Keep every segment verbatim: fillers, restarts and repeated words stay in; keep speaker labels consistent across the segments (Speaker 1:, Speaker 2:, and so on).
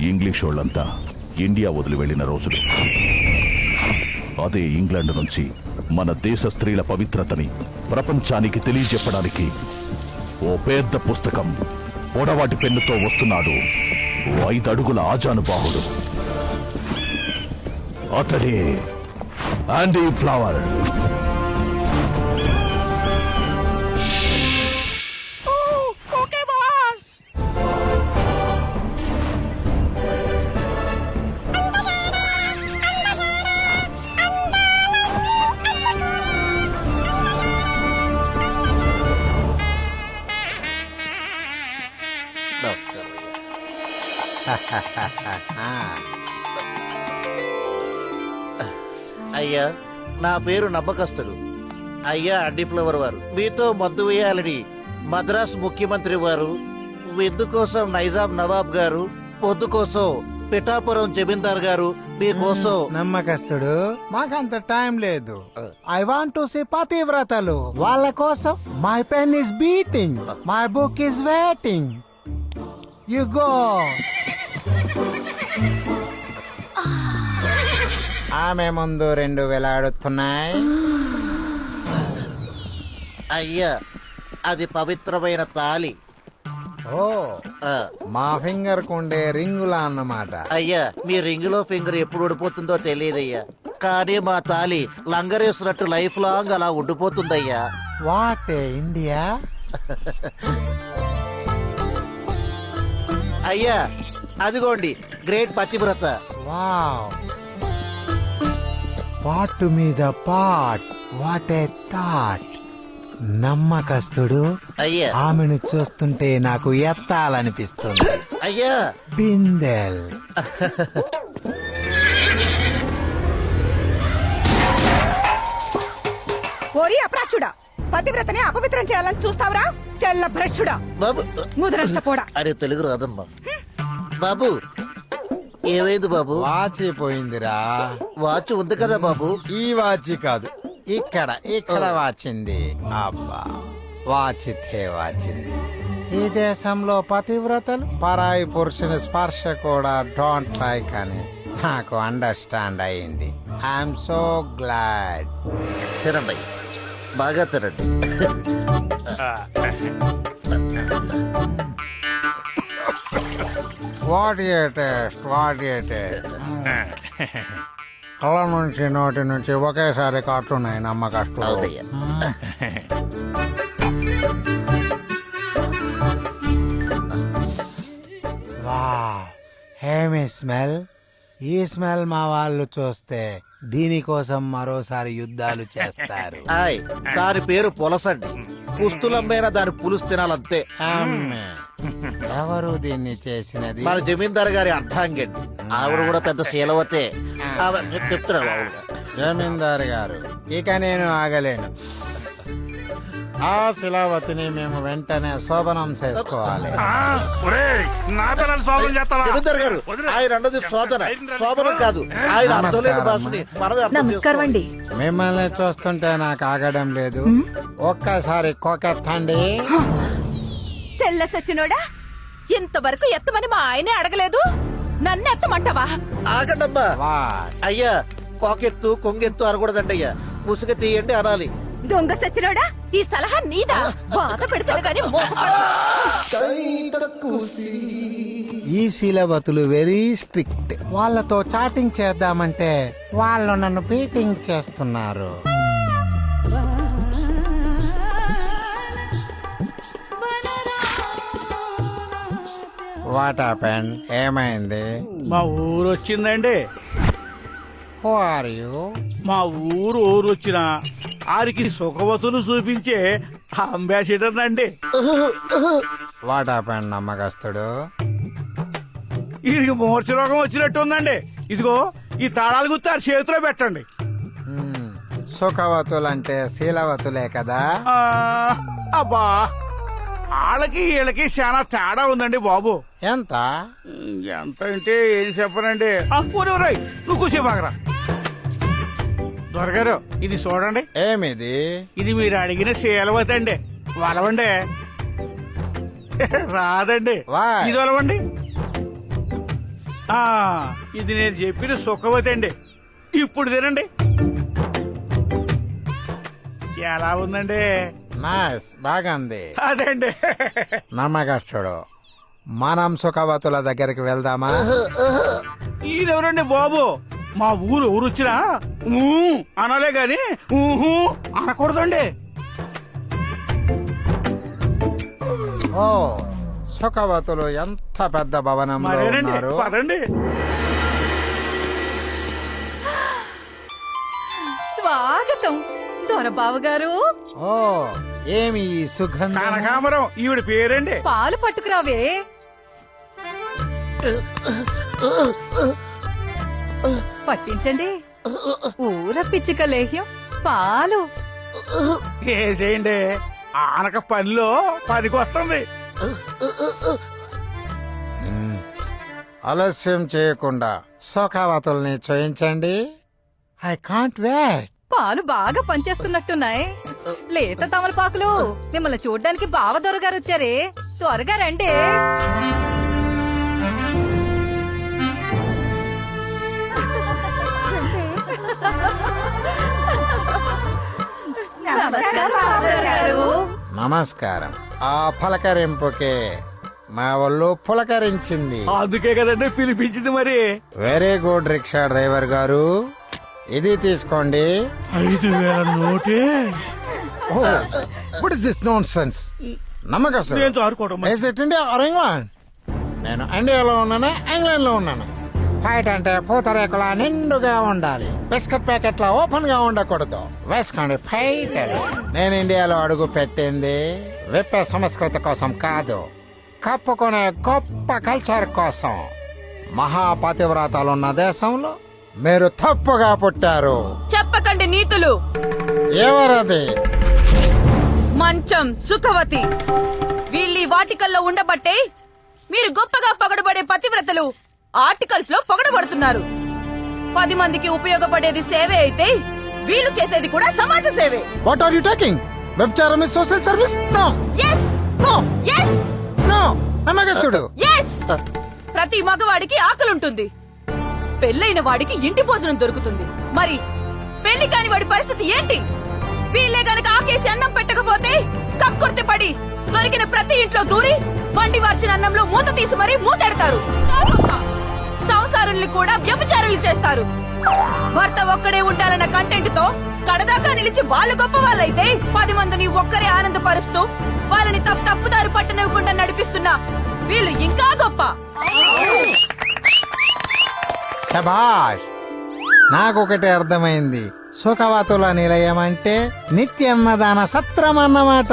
Speaker 1: English వాళ్ళంతా India వదిలి వెళ్లిన రోజులు. అదే ఇంగ్లాండ్ నుంచి మన దేశ స్త్రీల పవిత్రతని ప్రపంచానికి తెలియజెప్పడానికి ఓ పెద్ద పుస్తకం పొడవాటి పెన్నుతో వస్తున్నాడు ఓ ఐదడుగుల ఆజానుబాహుడు. అతడే ఆండీ ఫ్లవర్.
Speaker 2: అయ్యా, నా పేరు నమ్మకస్తుడు. అయ్యా అండి ఫ్లవర్ వారు, మీతో మద్దు వేయాలని మద్రాస్ ముఖ్యమంత్రి వారు, విందు కోసం నైజాం నవాబ్ గారు, పొద్దు కోసం పిఠాపురం జమీందార్ గారు మీకోసం.
Speaker 3: నమ్మకస్తుడు, మాకంత టైం లేదు. ఐ వాంట్ టు సీ పతివ్రతలు. వాళ్ళ కోసం my pen is beating, my book is waiting. You go. ఆమె ముందు రెండు వేలాడుతున్నాయి.
Speaker 2: అయ్యా, అది పవిత్రమైన తాలి.
Speaker 3: ఓ,
Speaker 2: ఆ,
Speaker 3: మా ఫింగర్ కుండే రింగులా అన్నమాట.
Speaker 2: అయ్యా, మీ రింగులో ఫింగర్ ఎప్పుడు ఉడిపోతుందో తెలియదయ్యా, కానీ మా తాలి లంగరేసినట్టు లైఫ్ లాంగ్ అలా ఉండిపోతుందయ్యా.
Speaker 3: What India.
Speaker 2: అయ్యా, అదిగోండి గ్రేట్ పతివ్రత.
Speaker 3: వావ్, పాటు మీద పాట్. What a thought. నమ్మకస్తుడు,
Speaker 2: అయ్యా
Speaker 3: ఆమెను చూస్తుంటే నాకు ఎత్తాలనిపిస్తుంది.
Speaker 2: అయ్యా
Speaker 3: బిందెల్.
Speaker 4: ఓరి అప్రాచుడా, పతివ్రతని అపవిత్రం చేయాలని చూస్తావరా? తెల్ల భ్రష్టుడా,
Speaker 2: బాబు.
Speaker 4: ముదరష్టపోడా.
Speaker 2: అరే తెలుగు రాదమ్మా. బాబు, ఏమైంది బాబు?
Speaker 3: వాచి పోయిందిరా.
Speaker 2: వాచ్ ఉంది కదా బాబు.
Speaker 3: ఈ వాచి కాదు, ఇక్కడ ఇక్కడ వాచింది. అబ్బా, వాచితే వాచింది. ఈ దేశంలో పతివ్రతలు పరాయి పురుషుని స్పర్శ కూడా డోంట్ లైక్ అని నాకు అండర్స్టాండ్ అయింది. I'm so glad.
Speaker 2: తినండి, బాగా తినండి.
Speaker 3: What a taste, what a taste. కళ్ళ నుంచి నోటి నుంచి ఒకేసారి కాటున్నాయి నమ్మకస్తులు.
Speaker 2: అవునయ్యా.
Speaker 3: వావ్, హేమి స్మెల్. ఈ స్మెల్ మా వాళ్ళు చూస్తే దీనికోసం మరోసారి యుద్ధాలు చేస్తారు.
Speaker 2: ఆయ్, దాని పేరు పులసండి. పుస్తులమ్మైనా దాని పులుసు తినాలంతే.
Speaker 3: అమ్మే. ఎవరు దీన్ని చేసినది?
Speaker 2: మన జమీందార్ గారి అర్థాంగండి. ఆవిడ కూడా పెద్ద శీలవతే. ఆవిడ చెప్తున్నారు ఆవిడ.
Speaker 3: జమీందారు గారు, ఇక నేను ఆగలేను. ఆ శిలావతిని మేము వెంటనే శోభనం చేసుకోవాలి.
Speaker 2: జమీందార్ గారు, ఆయన అన్నది శోధన, శోభనం కాదు. ఆయన అర్థం లేని భాషని మనమే అర్థం
Speaker 4: నమస్కారం అండి.
Speaker 3: మిమ్మల్ని చూస్తుంటే నాకు ఆగడం లేదు. ఒక్కసారి కొకెత్తండి.
Speaker 4: తెల్ల సచ్చినోడా, ఇంతవరకు ఎత్తమని మా ఆయనే అడగలేదు, నన్ను ఎత్తమంటావా?
Speaker 2: ఆగండమ్మా.
Speaker 3: వాట్?
Speaker 2: అయ్యా, కోకెత్తు కొంగెత్తు అనకూడదండి అయ్యా. ముసుగ తీయండి అనాలి.
Speaker 4: దొంగ సచ్చినోడా, ఈ సలహా నీదా? బాధ పెడతాను గాని
Speaker 3: ఈ శీలవతులు వెరీ స్ట్రిక్ట్. వాళ్ళతో చాటింగ్ చేద్దామంటే వాళ్ళు నన్ను బీటింగ్ చేస్తున్నారు. What happened? ఏమైంది?
Speaker 5: మా ఊరు వచ్చిందండి.
Speaker 3: Who are you?
Speaker 5: మా ఊరు ఊరు వచ్చిన ఆరికి సుఖవతులు చూపించే అంబాసిడర్ అండి.
Speaker 3: వాట్ హ్యాపెండ్ నమ్మకస్తుడు?
Speaker 5: వీరికి మూర్ఛ రోగం వచ్చినట్టు ఉందండి. ఇదిగో ఈ తాళాలు గుర్తు ఆ చేతిలో పెట్టండి.
Speaker 3: హ్మ్, సుఖవతులంటే శీలవతులే కదా.
Speaker 5: ఆ, అబ్బా, వాళ్ళకి వీళ్ళకి చాలా తేడా ఉందండి బాబు.
Speaker 3: ఎంత?
Speaker 5: ఎంత అంటే ఏం చెప్పనండి. ఆ, ఊరే ఊరే, నువ్వు కూసేపాకరా. దొరగారు, ఇది చూడండి.
Speaker 3: ఏమిది?
Speaker 5: ఇది మీరు అడిగిన శీలవతి అండి. వలవండి. రాదండి.
Speaker 3: Why?
Speaker 5: ఇది వలవండి. ఆ, ఇది నేను చెప్పిన సుఖవతి అండి. ఇప్పుడు తినండి. ఎలా ఉందండి?
Speaker 3: నైస్ బాగుంది.
Speaker 5: అదండి.
Speaker 3: నమ్మకస్తుడు. మనం సుఖవతుల దగ్గరికి వెళ్దామా?
Speaker 5: ఈయనెవరండి బాబు? మా ఊరు ఊరు వచ్చినా ఊ అనాలే గాని ఊహు అనకూడదండి.
Speaker 3: ఓ సుఖవతులు ఎంత పెద్ద భవనంలో
Speaker 5: మరేనండి,
Speaker 3: ఉన్నారు.
Speaker 5: పదండి.
Speaker 4: స్వాగతం దొరబాబు గారు.
Speaker 3: ఓ ఏమి ఈ సుగంధం?
Speaker 5: కనకాంబరం ఈవిడ పేరండి.
Speaker 4: పాలు పట్టుకురావే. పట్టించండి. ఊర పిచ్చిక లేహ్యం పాలు.
Speaker 5: వేసేయండి. ఆనక పనిలో పనికి వస్తుంది.
Speaker 3: మ్మ్. ఆలస్యం చేయకుండా సుఖవతుల్ని చేయించండి. I can't wait.
Speaker 4: పాలు బాగా పనిచేస్తున్నట్టున్నాయి. లేత తమలపాకులు. మిమ్మల్ని చూడ్డానికి బావ దొరగారు వచ్చారే, త్వరగా రండి. నమస్కారం బావగారు.
Speaker 3: నమస్కారం. ఆ పలకరింపుకే మా ఒళ్ళు పులకరించింది.
Speaker 5: అందుకే కదండి పిలిపించింది. మరి
Speaker 3: వెరీ గుడ్ రిక్షా డ్రైవర్ గారు, ఇది తీసుకోండి.
Speaker 5: ఐదు వేల నోటే
Speaker 3: what is this nonsense? నమ్మకం
Speaker 5: నేను ఆడుకోవడం మరి.
Speaker 3: India or England? నేను ఇండియాలో ఉన్నాను, ఇంగ్లాండ్ లో ఉన్నాను. ఫైట్ అంటే పూతరేకుల నిండుగా ఉండాలి, బిస్కెట్ ప్యాకెట్ లా ఓపెన్ గా ఉండకూడదు. వేసుకోండి ఫైట్. నేను ఇండియాలో అడుగు పెట్టింది విప్పే సంస్కృతి కోసం కాదు, కప్పుకునే గొప్ప కల్చర్ కోసం. మహాపతివ్రతాలున్న దేశంలో మీరు తప్పుగా పుట్టారు.
Speaker 4: చెప్పకండి నీతులు.
Speaker 3: ఎవరది?
Speaker 4: మంచం సుఖవతి. వీళ్ళీ వాటికల్లో ఉండబట్టే మీరు గొప్పగా పొగడబడే పతివ్రతలు ఆర్టికల్స్ లో పొగడబడుతున్నారు. పది మందికి ఉపయోగపడేది సేవే అయితే వీళ్ళు చేసేది కూడా సమాజ సేవే.
Speaker 3: What are you talking? వ్యభిచారం is social service? No
Speaker 4: yes
Speaker 3: no
Speaker 4: yes
Speaker 3: no. నమ్మకస్తుడు.
Speaker 4: ఎస్. ప్రతి మగవాడికి ఆకలుంటుంది, పెళ్ళైన వాడికి ఇంటి భోజనం దొరుకుతుంది. మరి పెళ్లి కాని వాడి పరిస్థితి ఏంటి? వీళ్ళే గనక ఆకేసి అన్నం పెట్టకపోతే కక్కుర్తి పడి దొరికిన ప్రతి ఇంట్లో దూరి వండి వార్చిన అన్నంలో మూత తీసి మరీ మూతెడతారు. సంసారుల్ని కూడా వ్యభిచారులు చేస్తారు. భర్త ఒక్కడే ఉండాలన్న కంటెంట్ తో కడదాకా నిలిచి వాళ్ళు గొప్ప వాళ్ళైతే పది మందిని ఒక్కరే ఆనందపరుస్తూ వాళ్ళని తప్పు తప్పుదారి పట్టనివ్వకుండా నడిపిస్తున్నా వీళ్ళు ఇంకా గొప్ప.
Speaker 3: శభాష్. నాకొకటి అర్థమైంది. సుఖవతుల నిలయం అంటే నిత్యన్నదాన సత్రం అన్నమాట.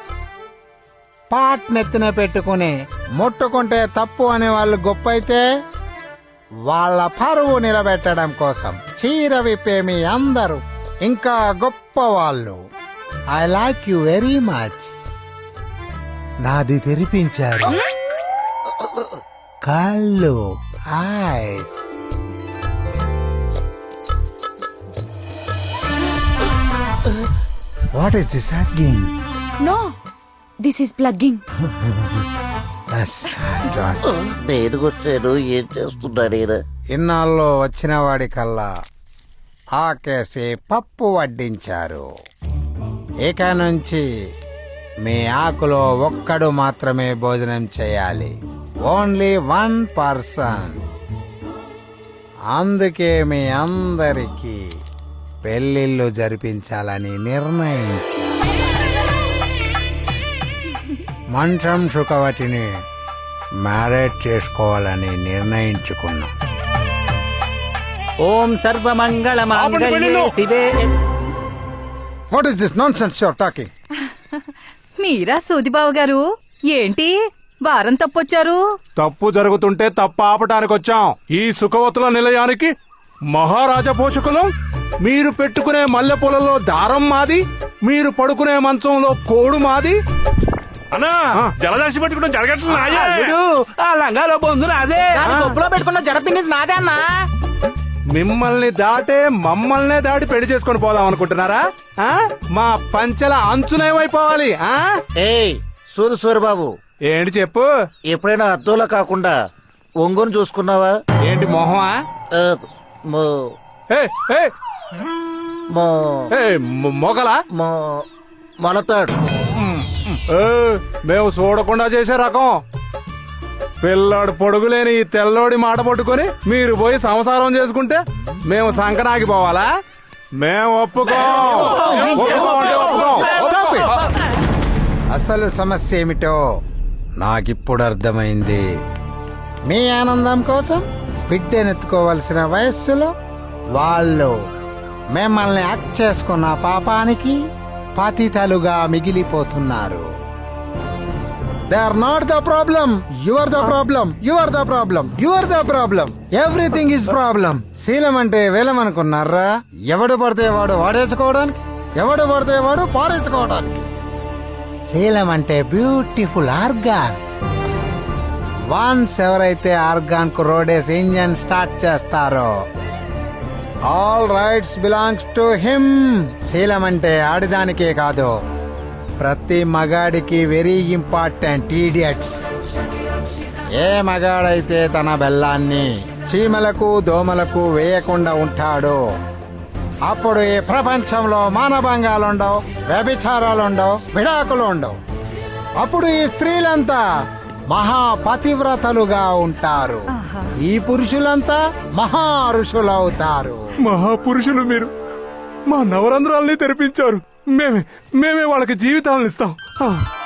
Speaker 3: పాట్ నెత్తిన పెట్టుకుని ముట్టుకుంటే తప్పు అనే వాళ్ళు గొప్ప అయితే, వాళ్ళ పరువు నిలబెట్టడం కోసం చీర విప్పే మీ అందరూ ఇంకా గొప్ప వాళ్ళు. I like you very much. నాది తెరిపించారు కళ్ళు, eyes. What is this again?
Speaker 4: No, this is plugging.
Speaker 2: నేను వచ్చాను, ఏం చేస్తున్నాడు ఈయన?
Speaker 3: ఇన్నాళ్ళు వచ్చిన వాడి కల్లా ఆకేసి పప్పు వడ్డించారు. ఇక నుంచి మీ ఆకులో ఒక్కడు మాత్రమే భోజనం చేయాలి. Only one person. అందుకే మీ అందరికీ పెళ్లిళ్ళు జరిపించాలని నిర్ణయించారు. మంచం సుఖవతిని మ్యారేజ్ చేసుకోవాలని నిర్ణయించుకున్నాం.
Speaker 6: ఓం సర్వమంగళ మాంగళ్యే శివే.
Speaker 3: What is this nonsense your talking?
Speaker 4: మీరా సూదిబాబు గారు, ఏంటి వారం తప్పొచ్చారు?
Speaker 7: తప్పు జరుగుతుంటే తప్పు ఆపటానికి వచ్చాం. ఈ సుఖవతుల నిలయానికి మహారాజా పోషకులం. మీరు పెట్టుకునే మల్లెపూలలో దారం మాది, మీరు పడుకునే మంచంలో కోడు మాది.
Speaker 5: అన్నా జలదాసి పెట్టుకుంటాం జరగట్లేదు. ఆ లంగాలో పొందు అదే
Speaker 6: కొప్పులో పెట్టుకున్న జడపిన్ని నాదే అన్నా.
Speaker 7: మిమ్మల్ని దాటే మమ్మల్నే దాటి పెళ్లి చేసుకొని పోదాం అనుకుంటున్నారా? ఆ? మా పంచల అంచునేమైపోవాలి? ఆ?
Speaker 2: ఏయ్ సూదు సూరిబాబు,
Speaker 7: ఏంటి చెప్పు.
Speaker 2: ఎప్పుడైనా అద్దంలో కాకుండా ఒంగోని చూసుకున్నావా?
Speaker 7: ఏంటి మొహమా?
Speaker 2: ఆ, మో
Speaker 7: ఏ, ఏ,
Speaker 2: మో
Speaker 7: ఏ, మొ- మొగలా?
Speaker 2: మో మొలతాడు.
Speaker 7: ఏ, మేము చూడకుండా చేసే రకం. పిల్లాడు పొడుగులేని ఈ తెల్లోడి మాట పట్టుకొని మీరు పోయి సంసారం చేసుకుంటే మేము సంకనాగిపోవాలా? మేము ఒప్పుకోం. ఒప్పుకోం అంటే ఒప్పుకోం.
Speaker 3: Stop it. అసలు సమస్య ఏమిటో నాకిప్పుడు అర్థమైంది. మీ ఆనందం కోసం బిడ్డనెత్తుకోవలసిన వయస్సులో వాళ్ళు మిమ్మల్ని యాక్ట్ చేసుకున్న పాపానికి పతితలుగా మిగిలిపోతున్నారు. They are not the problem. You are the problem. You are the problem. You are the problem. Everything is problem. శీలం అంటే వేలం అనుకున్నారా? ఎవడు పడితే వాడు వాడేసుకోవడానికి, ఎవడు పడితే వాడు పారేసుకోవడానికి. శీలం అంటే బ్యూటిఫుల్ ఆర్గాన్. వన్స్ ఎవరైతే ఆర్గాన్ కు రోడేసి ఇంజన్ స్టార్ట్ చేస్తారో all rights belongs to him. శీలం అంటే ఆడిదానికే కాదు, ప్రతి మగాడికి వెరీ ఇంపార్టెంట్. ఈడియట్స్. ఏ మగాడైతే తన బెల్లాన్ని చీమలకు దోమలకు వేయకుండా ఉంటాడో అప్పుడు ఈ ప్రపంచంలో మానభంగాలుండవు, వ్యభిచారాలుండవు, విడాకులు ఉండవు. అప్పుడు ఈ స్త్రీలంతా మహాపతివ్రతలుగా ఉంటారు. ఈ పురుషులంతా మహా ఋషులవుతారు.
Speaker 7: మహాపురుషులు మీరు మా నవరంధ్రాల్ని తెరిపించారు. మేమే మేమే వాళ్ళకి జీవితాలను ఇస్తాం. ఆ.